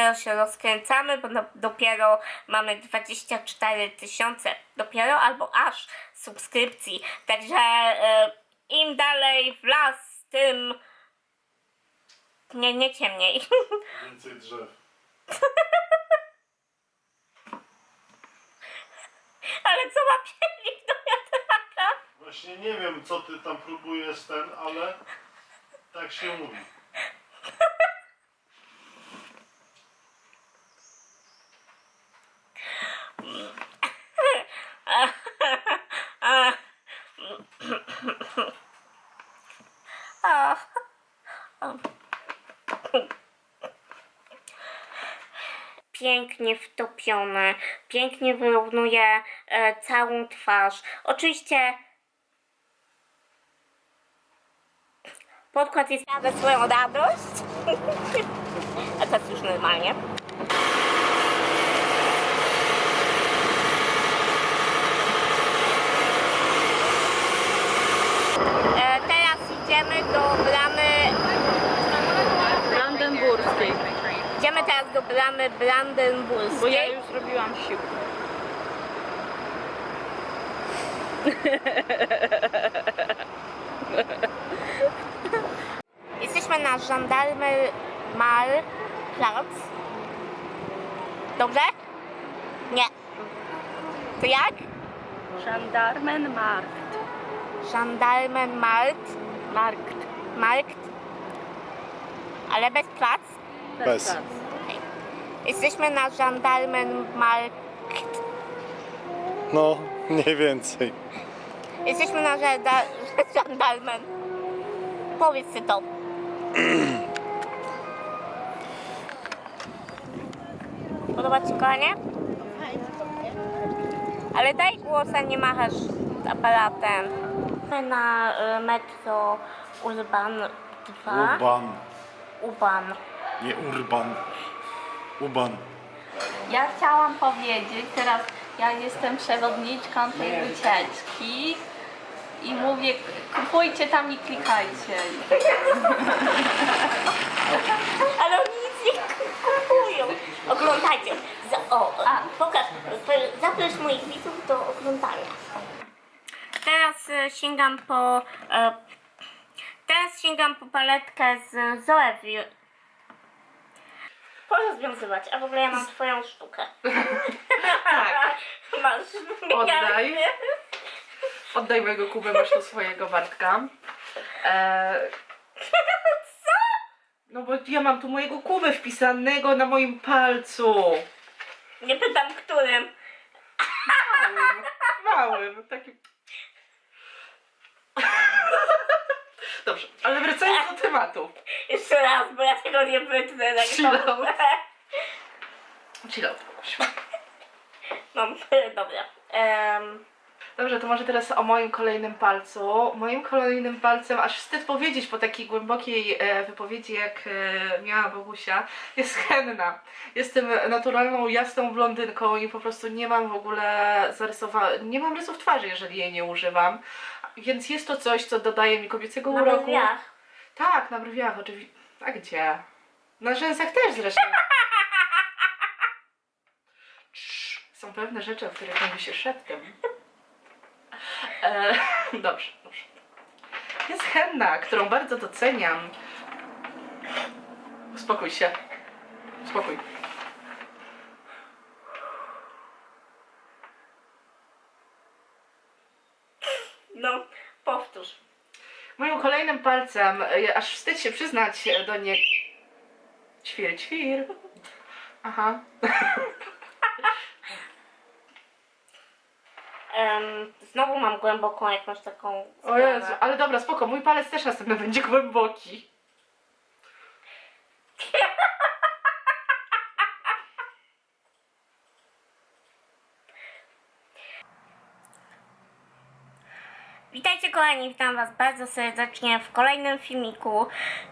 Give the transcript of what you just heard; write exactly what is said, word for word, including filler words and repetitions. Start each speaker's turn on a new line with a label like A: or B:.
A: dopiero się rozkręcamy, bo no, dopiero mamy dwadzieścia cztery tysiące, dopiero albo aż subskrypcji. Także e, im dalej w las, tym nie, nie ciemniej.
B: Więcej drzew.
A: Ale co ma piernik do wiatraka?
B: Właśnie nie wiem, co ty tam próbujesz ten, ale tak się mówi.
A: Pięknie wtopione, pięknie wyrównuje e, całą twarz. Oczywiście podkład jest na swoją radość. A teraz już normalnie. E, teraz idziemy do bramy
C: Brandenburskiej.
A: Idziemy teraz do bramy brandenburskiej.
C: Bo ja już zrobiłam siłkę.
A: Jesteśmy na Gendarmenmarkt. Dobrze? Nie. To jak?
C: Gendarmenmarkt.
A: Gendarmenmarkt.
C: Markt.
A: Markt. Ale bez plac?
B: Bez.
C: plac.
A: Okay. Jesteśmy na Gendarmenmarkt.
B: No, mniej więcej.
A: Jesteśmy na żanda- Gendarmen. Powiedz ty to. Podoba ci się, kochanie? Ale daj głos, a nie machasz z aparatem. Jesteśmy na y, metro Urban dwa.
B: Urban.
A: Urban.
B: Nie urban. Uban.
C: Ja chciałam powiedzieć, teraz ja jestem przewodniczką tej wycieczki i mówię, kupujcie tam i klikajcie.
A: Ale oni nic nie kupują. Oglądajcie. Z- o,
C: A.
A: pokaż. Zaproś moich widzów do oglądania. Teraz e, sięgam po... E, teraz sięgam po paletkę z Zoevi. Porozwiązywać, a w ogóle ja mam twoją sztukę.
C: Tak.
A: Masz
C: Oddaj.
A: miarę.
C: Oddaj mojego Kubę, masz tu swojego Bartka. Eee,
A: Co?
C: no bo ja mam tu mojego Kubę wpisanego na moim palcu.
A: Nie pytam którym.
C: Małym, małym, takim... Dobrze, ale wracając do tematu.
A: Jeszcze raz, bo ja tego nie wytnę. Tak
C: Chill out.
A: dobrze.
C: Chill out, Kubuś.
A: Mam, dobra. Um,
C: Dobrze, to może teraz o moim kolejnym palcu. Moim kolejnym palcem, aż wstyd powiedzieć po takiej głębokiej e, wypowiedzi, jak e, miała Bogusia, jest henna. Jestem naturalną, jasną blondynką i po prostu nie mam w ogóle zarysowanych, nie mam rysów twarzy, jeżeli jej nie używam. Więc jest to coś, co dodaje mi kobiecego
A: na
C: uroku.
A: brwiach.
C: Tak, na brwiach oczywiście. A gdzie? Na rzęsach też zresztą. Cii, są pewne rzeczy, o których mówi się szeptem. E, dobrze, dobrze. Jest henna, którą bardzo doceniam. Uspokój się. Spokój.
A: No, powtórz.
C: Moim kolejnym palcem, e, aż wstyd się przyznać do nie... Ćwir, ćwir. Aha.
A: Um, znowu mam głęboką jakąś taką
C: O
A: sprawę.
C: Jezu, ale dobra, spoko, mój palec też następny będzie głęboki.
A: Witajcie kochani, witam was bardzo serdecznie w kolejnym filmiku.